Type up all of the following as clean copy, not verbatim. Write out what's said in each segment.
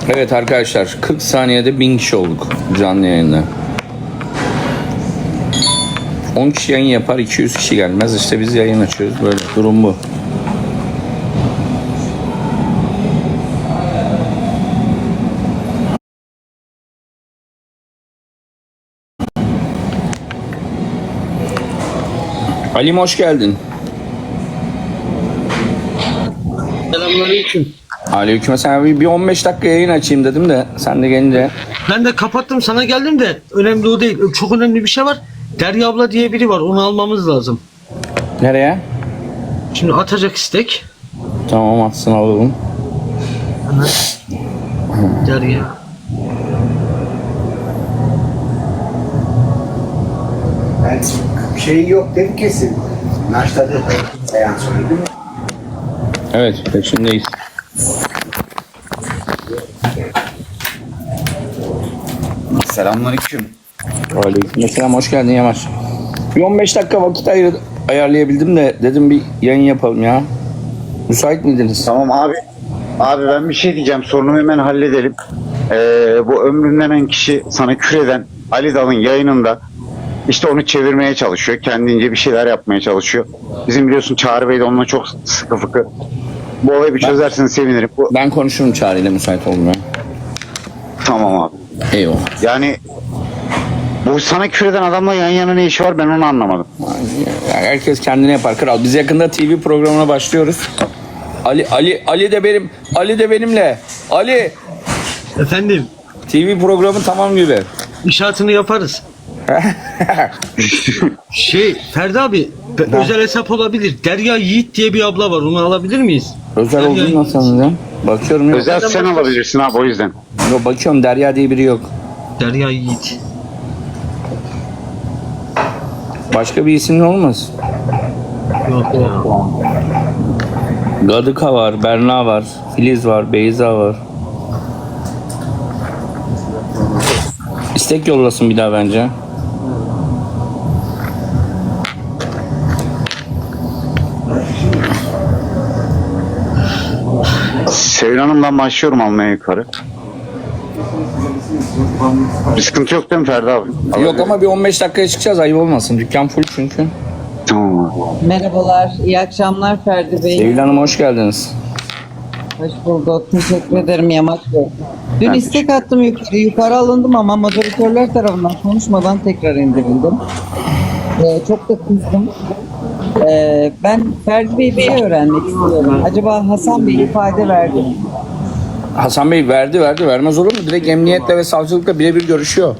Evet arkadaşlar 40 saniyede 1000 kişi olduk canlı yayında. 10 kişi yayın yapar 200 kişi gelmez. İşte biz yayın açıyoruz. Böyle durum bu. Halim hoş geldin. Selamünaleyküm. Aleykümselam. Bir 15 dakika yayın açayım dedim de sen de gelince. Ben de kapattım, sana geldim de önemli o değil. Çok önemli bir şey var. Derya abla diye biri var, onu almamız lazım. Nereye? Şimdi atacak istek. Tamam atsın alalım. Derya. Ben şey yok dedi kesin. Naşladı. Beyan söyledi mi? Evet peşindeyiz. Selamünaleyküm. Aleykümselam hoş geldin Yamaç. Bir 15 dakika vakit ayarlayabildim de dedim bir yayın yapalım ya. Müsait miydiniz? Tamam abi. Abi ben bir şey diyeceğim. Sorunumu hemen halledelim. Bu ömründen en kişi sana küreden Ali Dal'ın yayınında işte onu çevirmeye çalışıyor. Kendince bir şeyler yapmaya çalışıyor. Bizim biliyorsun Çağrı Bey de onunla çok sıkı fıkı. Bu olayı bir çözerseniz sevinirim. Ben konuşurum Çağrı ile müsait olmuyor. Tamam abi. Eyvallah. Yani bu sana küreden adamla yan yana ne işi var ben onu anlamadım. Yani herkes kendine yapar kral. Biz yakında TV programına başlıyoruz. Ali de benimle. Ali Efendim, TV programı tamam gibi. inşaatını yaparız. Ferdi abi, özel hesap olabilir. Derya Yiğit diye bir abla var, onu alabilir miyiz? Özel Derya olduğunu Yiğit. nasıl anlayacağım? Bakıyorum yok. Özel sen alabilirsin abi o yüzden. Yok bakıyorum Derya diye biri yok. Derya Yiğit. Başka bir isimli olmaz. Yok ya. Gadıka var, Berna var, Filiz var, Beyza var. İstek yollasın bir daha bence. Sevil Hanım'dan başlıyorum almaya yukarı. Bir sıkıntı yok değil mi Ferdi abi? Yok ama bir 15 dakikaya çıkacağız ayıp olmasın. Dükkan full çünkü. Tamam abi. Merhabalar, iyi akşamlar Ferdi Bey. Sevil Hanım hoş geldiniz. Hoş bulduk, teşekkür ederim Yamaç Bey. Dün istek attım yukarı alındım ama moderatörler tarafından konuşmadan tekrar indirildim. Çok da kızdım. Ben Ferdi Bey bir şey öğrenmek istiyorum. Acaba Hasan Bey ifade verdi mi? Hasan Bey verdi vermez olur mu? Direkt emniyetle ve savcılıkla birebir görüşüyor.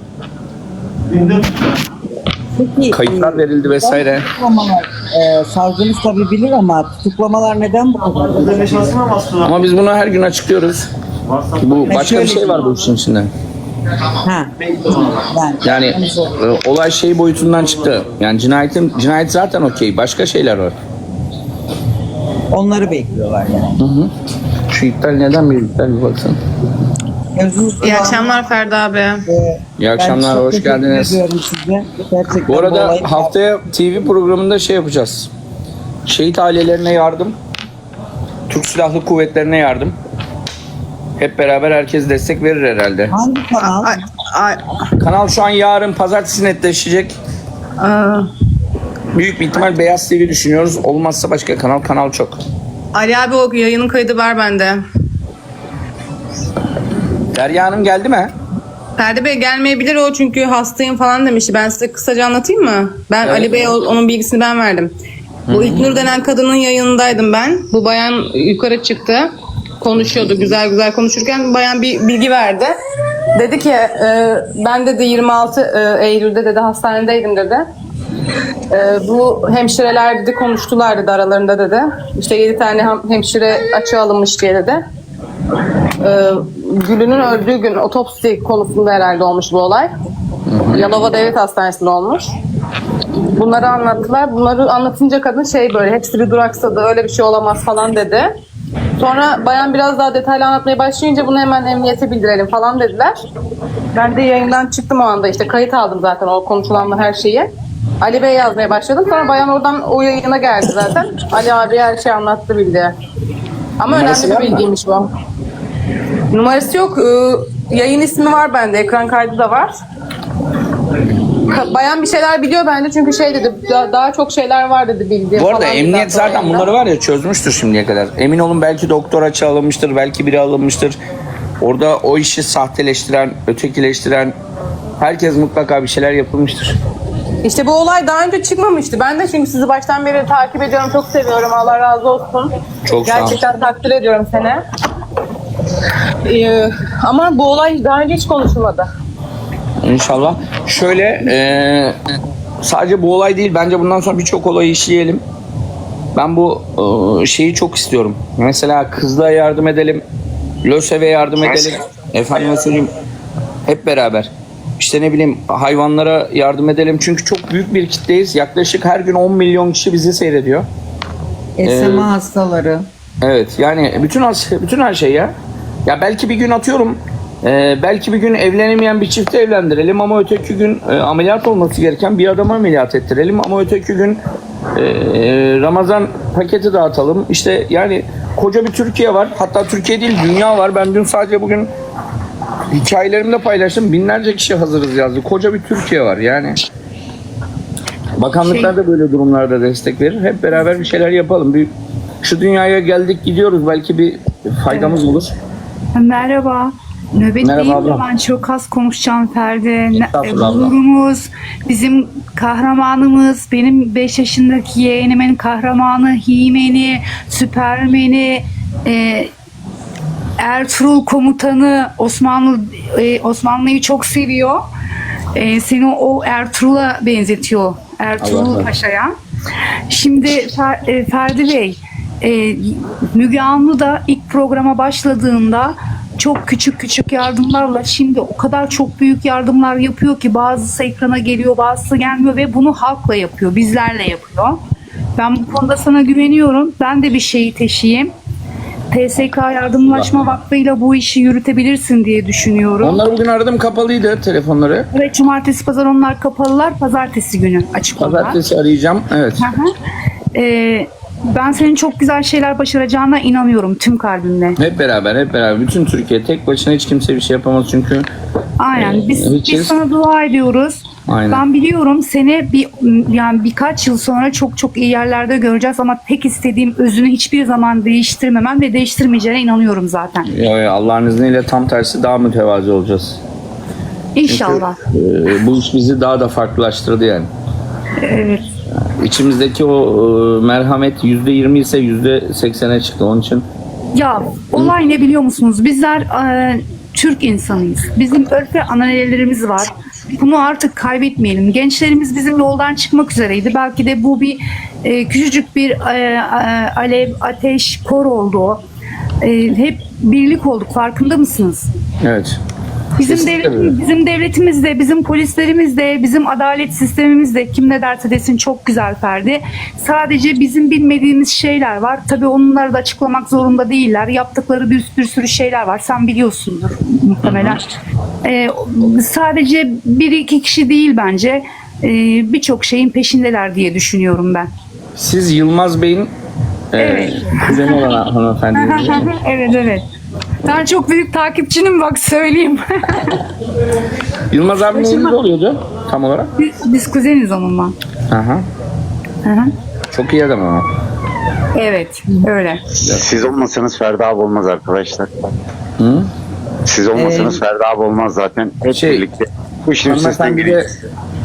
Peki, Kayıtlar verildi vesaire. tutuklamalar, savcımız tabii bilir ama tutuklamalar neden bu kadar? Ama biz bunu her gün açıklıyoruz. Bu başka bir şey var bu işin içinde. Ha, Yani olay şey boyutundan çıktı. Yani cinayet zaten okey. Başka şeyler var. onları bekliyorlar yani. Şu iptal neden bir iptal bir baksana. İyi akşamlar Ferdi abi. İyi akşamlar, Ben çok hoş teşekkür geldiniz. ediyorum size. Gerçekten Bu arada olayı- haftaya TV programında şey yapacağız. Şehit ailelerine yardım. Türk Silahlı Kuvvetlerine yardım. Hep beraber herkes destek verir herhalde. Hangi kanal? Ay, Kanal şu an yarın pazartesi netleşecek. aa, Büyük bir ihtimal Beyaz TV düşünüyoruz. Olmazsa başka kanal çok. Ali abi o yayının kaydı var bende. Derya Hanım geldi mi? Ferdi Bey gelmeyebilir o çünkü hastayım falan demişti. Ben size kısaca anlatayım mı? Ben Evet. Ali Bey'e onun bilgisini ben verdim. Bu İlknur denen kadının yayınındaydım ben. Bu bayan yukarı çıktı. Konuşuyordu güzel güzel konuşurken bayan bir bilgi verdi. Dedi ki ben dedi 26 Eylül'de dedi hastanedeydim dedi. Bu hemşireler dedi konuştular dedi aralarında dedi. İşte 7 tane hemşire açığa alınmış diye dedi. Gül'ünün öldüğü gün otopsi konusunda herhalde olmuş bu olay. Yalova Devlet Hastanesi'nde olmuş. Bunları anlattılar. Bunları anlatınca kadın böyle hepsi bir duraksadı. Öyle bir şey olamaz falan dedi. Sonra bayan biraz daha detaylı anlatmaya başlayınca bunu hemen emniyete bildirelim falan dediler. Ben de yayından çıktım o anda işte kayıt aldım zaten o konuşulanla her şeyi. Ali Bey yazmaya başladım. Sonra bayan oradan o yayına geldi zaten. Ali abi her şeyi anlattı bildi. Ama Numarası önemli var bir mı? bilgiymiş bu. Numarası yok. Yayın ismi var bende. Ekran kaydı da var. Bayan bir şeyler biliyor bende çünkü şey dedi, daha çok şeyler var dedi bildiğim Bu arada falan dedi emniyet zaten yayında. bunları var ya çözmüştür şimdiye kadar. Emin olun belki doktor açığı alınmıştır, belki biri alınmıştır. Orada o işi sahteleştiren, ötekileştiren herkes mutlaka bir şeyler yapılmıştır. İşte bu olay daha önce çıkmamıştı. Ben de çünkü sizi baştan beri takip ediyorum. Çok seviyorum. Allah razı olsun. Çok sağ ol. Gerçekten takdir ediyorum seni. Ama bu olay daha önce hiç konuşulmadı. İnşallah. Şöyle sadece bu olay değil bence bundan sonra birçok olayı işleyelim. Ben bu şeyi çok istiyorum. Mesela kızlığa yardım edelim. LÖSEV'e yardım edelim. Efendime söyleyeyim hep beraber. İşte ne bileyim hayvanlara yardım edelim. Çünkü çok büyük bir kitleyiz. Yaklaşık her gün 10 milyon kişi bizi seyrediyor. SMA hastaları. Evet yani bütün her şey ya. Ya belki bir gün atıyorum belki bir gün evlenemeyen bir çifti evlendirelim ama öteki gün ameliyat olması gereken bir adama ameliyat ettirelim ama öteki gün Ramazan paketi dağıtalım. İşte yani koca bir Türkiye var. Hatta Türkiye değil dünya var. Ben dün sadece bugün hikayelerimde paylaştım. Binlerce kişi hazırız yazdı. Koca bir Türkiye var yani. Bakanlıklar da böyle durumlarda destek verir. Hep beraber bir şeyler yapalım. Şu dünyaya geldik gidiyoruz. Belki bir faydamız olur. Merhaba. Nöbet Merhaba değil de abla. ben çok az konuşacağım Ferdi. Estağfurullah abla. Gururumuz, bizim kahramanımız, benim 5 yaşındaki yeğenimin kahramanı, He-Man'i, Süpermen'i, Ertuğrul komutanı, Osmanlı'yı çok seviyor. Seni o Ertuğrul'a benzetiyor. Allah Ertuğrul Allah. Paşa'ya. Şimdi Ferdi Bey, Müge Anlı da ilk programa başladığında çok küçük yardımlarla şimdi o kadar çok büyük yardımlar yapıyor ki bazısı ekrana geliyor, bazısı gelmiyor ve bunu halkla yapıyor, bizlerle yapıyor. Ben bu konuda sana güveniyorum. Ben de bir şeyi teşiyim. TSK Yardımlaşma Vakfı'yla bu işi yürütebilirsin diye düşünüyorum. Onları bugün aradım kapalıydı telefonları. Evet, cumartesi pazar onlar kapalılar. Pazartesi günü açık onlar. Pazartesi arayacağım. Evet. Hı hı. Ben senin çok güzel şeyler başaracağına inanıyorum tüm kalbimle. Hep beraber. Bütün Türkiye tek başına hiç kimse bir şey yapamaz çünkü Aynen. Biz Hiç- sana dua ediyoruz. Aynen. Ben biliyorum seni yani birkaç yıl sonra çok iyi yerlerde göreceğiz ama tek istediğim özünü hiçbir zaman değiştirmemen ve değiştirmeyeceğine inanıyorum zaten. Allah'ın izniyle tam tersi daha mütevazi olacağız. İnşallah. Bu iş bizi daha da farklılaştırdı yani. Evet. İçimizdeki o merhamet %20 ise %80'e çıktı. Onun için Ya olay ne biliyor musunuz? Bizler Türk insanıyız. Bizim örf ve ananelerimiz var. Bunu artık kaybetmeyelim. Gençlerimiz bizim yoldan çıkmak üzereydi. Belki de bu bir küçücük bir alev, ateş, kor oldu. Hep birlik olduk. Farkında mısınız? evet. Bizim Kesinlikle öyle. bizim devletimiz de, bizim polislerimiz de, bizim adalet sistemimiz de kim ne derse desin çok güzel Ferdi. Sadece bizim bilmediğimiz şeyler var. Tabii onları da açıklamak zorunda değiller. Yaptıkları bir sürü şeyler var. Sen biliyorsundur muhtemelen. Sadece bir iki kişi değil bence. Birçok şeyin peşindeler diye düşünüyorum ben. Siz Yılmaz Bey'in Evet. kuzeni olan hanımefendi. Evet. Ben çok büyük takipçinim bak söyleyeyim. Yılmaz abi neyiniz oluyordu tam olarak? Biz kuzeniz onunla. Aha. Hı hı. Çok iyi adam ama. Evet öyle. Siz olmasanız Ferdi abi olmaz arkadaşlar. Hı? Siz olmasanız Ferdi abi olmaz zaten. Hep Şey, birlikte. Bu işin üstesinden Hanımefendi de geliyoruz.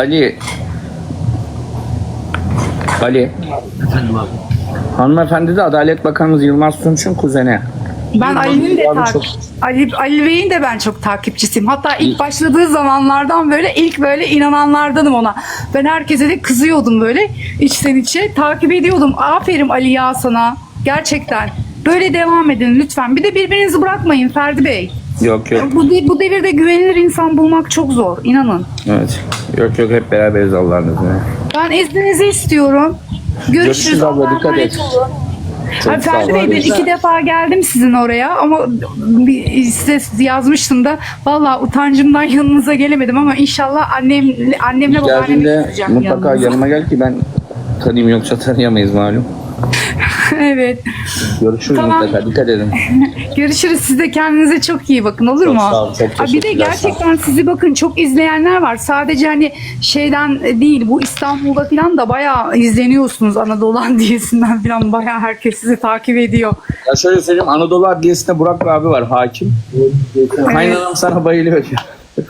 Ali. Efendim abi. Hanımefendi de Adalet Bakanımız Yılmaz Tunç'un kuzeni. Ben Ali'nin de Abi çok- Ali Bey'in de ben çok takipçisiyim. Hatta ilk başladığı zamanlardan böyle ilk böyle inananlardanım ona. Ben herkese de kızıyordum böyle içten içe. Takip ediyordum. Aferin Ali ya sana. Gerçekten. Böyle devam edin lütfen. Bir de birbirinizi bırakmayın Ferdi Bey. Yok. Bu devirde güvenilir insan bulmak çok zor. İnanın. Evet. Yok hep beraberiz Allah'ın izniyle. Ben izninizi istiyorum. Görüşürüz. Görüşürüz abla, Allah'a dikkat emanet et. olun. Çok Ay, sağ Ferdi ol. Bey ben 2 defa geldim sizin oraya ama size yazmıştım da vallahi utancımdan yanınıza gelemedim ama inşallah annemle babaannemi Geldiğinde götüreceğim mutlaka yanınıza. yanıma gel ki ben tanıyayım yoksa tanıyamayız malum. Evet. Görüşürüz Tamam. mutlaka. Dikkat edin. Görüşürüz. Siz de kendinize çok iyi bakın, olur Çok mu? sağ olun, çok Ha, bir de teşekkürler, sağ gerçekten sizi bakın çok izleyenler var. Sadece hani şeyden değil, bu İstanbul'da falan da bayağı izleniyorsunuz. Anadolu Adliyesi'nden falan bayağı herkes sizi takip ediyor. Ya şöyle söyleyeyim, Anadolu Adliyesi'nde Burak abi var, hakim. Kaynanam sana bayılıyor diyor.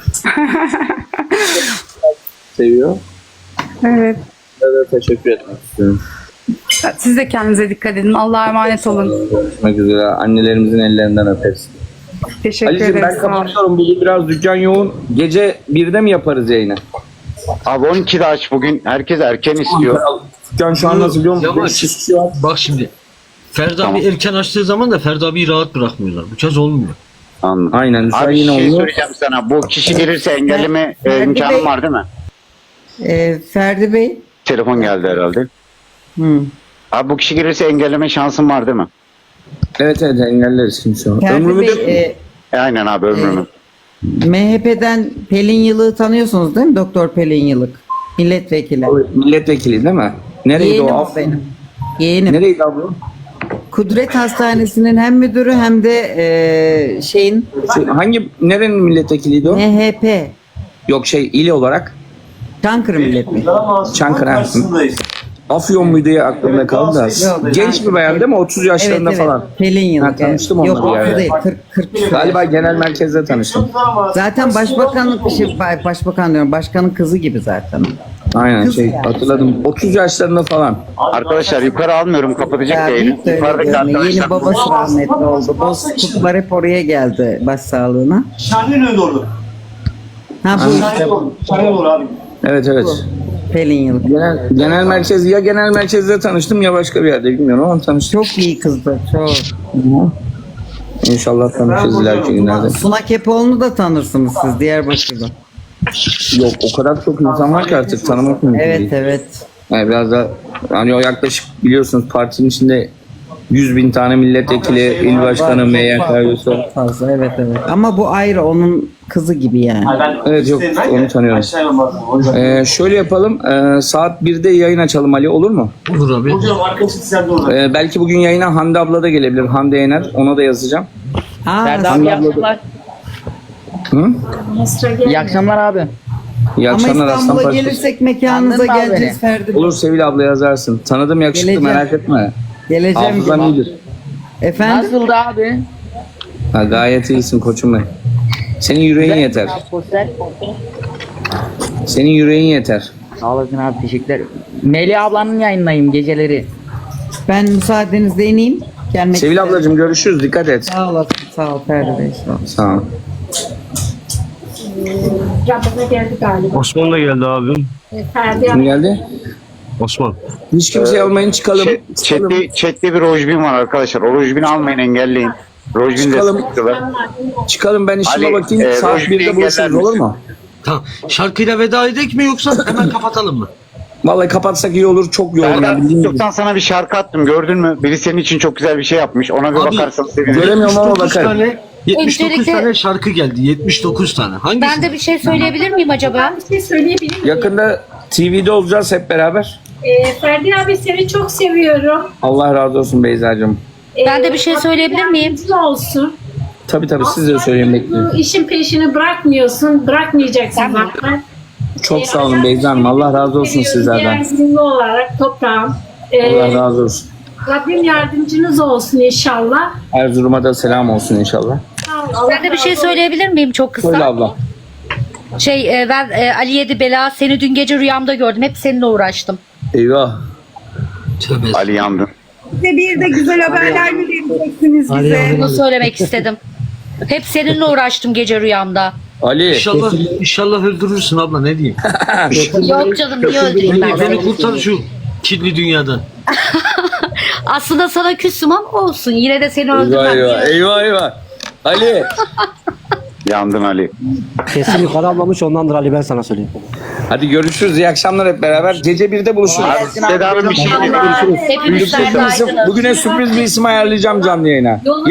Seviyor. Evet. Size de teşekkür etmek istiyorum. Siz de kendinize dikkat edin. Allah'a emanet olun. Görüşmek üzere. Annelerimizin ellerinden öperiz. Teşekkür Ali'cim ederim. ben Sağ olun. kapatıyorum. Bugün biraz dükkan yoğun. Gece 1'de mi yaparız yayını? Abi 12'de aç bugün. Herkes erken istiyor. Dükkan şu an nasıl biliyor musun? Yavaş. 500 kişi var. Bak şimdi. Ferdi Tamam. abi erken açtığı zaman da Ferdi abiyi rahat bırakmıyorlar. Bu kez olmuyor. Anladım. Aynen. Şu an Abi yine şey oluyor. söyleyeceğim sana. Bu kişi gelirse engelleme imkanım var değil mi? Ferdi Bey. Telefon geldi herhalde. Hı. Abi bu kişi gelirse engelleme şansım var değil mi? Evet engelleriz kimse o. Ferdi Ömrümü Bey, de... Aynen abi ömrümü. MHP'den Pelin Yılık'ı tanıyorsunuz değil mi? Doktor Pelin Yılık. Milletvekili. Milletvekili değil mi? Nereydi Yeğenim o? o benim. Yeğenim. Nereydi abla? Kudret Hastanesi'nin hem müdürü hem de şeyin Nerenin milletvekiliydi o? MHP. Yok il olarak. Çankırı milletvekili. Çankırı. Afyon muydu ya aklımda kaldı da. Yok. Genç bir bayan değil mi? 30 yaşlarında Evet, evet. falan. Pelin Yılık. Ha, tanıştım evet. onunla Yok bir 30 yerde. değil. 40. Galiba genel merkezde tanıştım. Zaten başbakan diyorum. Başkanın kızı gibi zaten. Aynen Kız yani. hatırladım. 30 yaşlarında falan. Arkadaşlar yukarı almıyorum. Kapatacak Ya yayını. büyük de öyle Yukarıdaki görünüyor. Yeni arkadaşlar. babası rahmetli oldu. Bozkurtlar hep oraya geldi başsağlığına. Şahin önde orada. Ha bu işte Şahin olur abi. Evet. Pelin Yılık. Genel merkez ya genel merkezde tanıştım ya başka bir yerde bilmiyorum ama tanıştım. Çok iyi kızdı. Çok. İnşallah tanışırız ileriki günlerde. Suna Kepoğlu'nu da tanırsınız siz Diyarbakır'da. Yok o kadar çok insan var ki artık tanımak mümkün değil. Evet. Yani biraz da hani o yaklaşık biliyorsunuz partinin içinde 100.000 tane milletvekili, il başkanı, MYK üyesi. Çok fazla evet. Ama bu ayrı onun kızı gibi yani. Evet yok onu tanıyorum. Şöyle yapalım saat 1'de yayın açalım Ali olur mu? Olur abi. Hocam arkadaşım sen de orada. Belki bugün yayına Hande abla da gelebilir. Hande Yener ona da yazacağım. Aa, Hande abla da... Hı? İyi akşamlar abi. İyi ama akşamlar Aslan İstanbul'a Paşa. gelirsek mekanınıza Anladın mı abi geleceğiz Ferdi. Olur Sevil abla yazarsın. Tanıdım yakışıklı Geleceğim. merak etme. Geleceğim. Hafızan iyidir. Efendim? Nasıldı abi? Ha, gayet iyisin koçum benim. Senin yüreğin yeter. Sosyal. Senin yüreğin yeter. Sağ olasın abi teşekkürler. Melih ablanın yayınlayayım geceleri. Ben müsaadenizle ineyim. Gelmek Sevil isterim. ablacığım görüşürüz. Dikkat et. Sağ olasın. Sağ ol Ferdi Bey. Sağ ol. Sağ ol. Rabbime geldi galiba. Osman da geldi abim. Ferdi Kim geldi? Osman. Hiç kimseyi almayın çıkalım. Çıkalım. Chat'te bir rojbin var arkadaşlar. O rojbini almayın engelleyin. Rojbin de Çıkalım. sıkıntılar. Çıkalım ben işime Ali, bakayım. Saat Rojbin'i 1'de buluşuruz engeller olur misin? mu? Tamam. Şarkıyla veda edek mi yoksa hemen kapatalım mı? Vallahi kapatsak iyi olur. Çok yoğun. Serdar ya, bildiğin gibi. TikTok'tan sana bir şarkı attım gördün mü? Biri senin için çok güzel bir şey yapmış. Ona bir Abi, bakarsan sevinirim. Göremiyorum ama 79 bakarım. tane 79 Öncelikle- tane şarkı geldi. 79 tane. Hangisi? Ben de bir şey söyleyebilir miyim acaba? bir şey söyleyebilir miyim? Yakında TV'de olacağız hep beraber. Ferdi abi seni çok seviyorum. Allah razı olsun Beyza'cığım. Ben de bir şey söyleyebilir miyim? Yardımcın olsun. Tabii siz de söyleyin bekliyorum. Bu işin peşini bırakmıyorsun. Bırakmayacaksın zaten. Çok sağ olun Beyza Hanım. Allah razı olsun sizlerden. Erzurumlu olarak toprağım. Allah razı olsun. Rabbim yardımcınız olsun inşallah. Erzurum'a da selam olsun inşallah. Ben de bir şey söyleyebilir miyim çok Söyle kısa? abla. Ben Ali Yedi Bela seni dün gece rüyamda gördüm. Hep seninle uğraştım. Eyvah. Tövbe. Ali yandın. Size bir de güzel haberler mi vereceksiniz bize? Bunu söylemek istedim. Hep seninle uğraştım gece rüyamda. Ali. İnşallah öldürürsün abla ne diyeyim. Yok canım niye öldüreyim ben Beni seni? kurtar şu kirli dünyadan. Aslında sana küsüm ama olsun. Yine de seni Eyvah öldürmem. eyvah. Ali. Yandın Ali. Kesin yukarı ablamış ondandır Ali ben sana söyleyeyim. Hadi görüşürüz. İyi akşamlar hep beraber. Gece 1'de buluşuruz. Seda Hanım bir şey diyeyim. Hepimiz Bugüne sürpriz bir isim ayarlayacağım canlı yayına.